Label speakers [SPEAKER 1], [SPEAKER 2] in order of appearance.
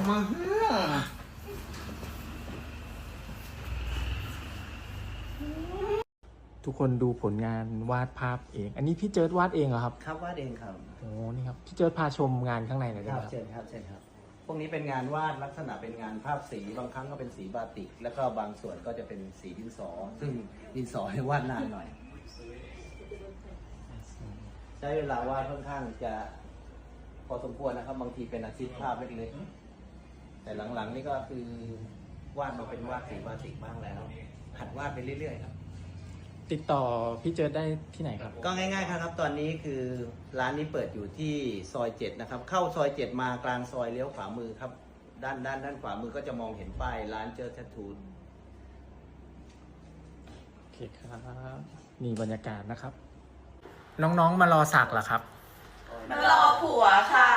[SPEAKER 1] มาทุกคนดูผลงานวาดภาพเอง อันนี้พี่เจิดวาดเองเหรอครับ
[SPEAKER 2] ครับวาดเองครับ
[SPEAKER 1] โอ้นี่ครับพี่เจิดพาชมงานข้างในหน่อยได้
[SPEAKER 2] ค
[SPEAKER 1] ไห
[SPEAKER 2] รั
[SPEAKER 1] ม
[SPEAKER 2] บ
[SPEAKER 1] ครับ
[SPEAKER 2] เชิญครับเชิญครับพวกนี้เป็นงานวาดลักษณะเป็นงานภาพสีบางครั้งก็เป็นสีบาติกแล้วก็บางส่วนก็จะเป็นสีดินสอ ซึ่งดินสอให้วาดนานหน่อย ใช้เวลาวาดค่อนข้างจะพอสมควรนะครับ บางทีเป็นอาชีพภาพเล็กๆแต่หลังๆนี่ก็คือวาดมาเป็นวาดสีบาติกบ้างแล้วหัดวาดไปเรื่อยๆครับ
[SPEAKER 1] ติดต่อพี่เจิดได้ที่ไหนครับ
[SPEAKER 2] ก็ง่ายๆครับตอนนี้คือร้านนี้เปิดอยู่ที่ซอย7นะครับเข้าซอย7มากลางซอยเลี้ยวขวามือครับด้านขวามือก็จะมองเห็นป้ายร้านเจอแททูน
[SPEAKER 1] โอเคครับนี่บรรยากาศนะครับ น้องๆมารอสักเหรอครับ
[SPEAKER 3] มารอผัวค่ะ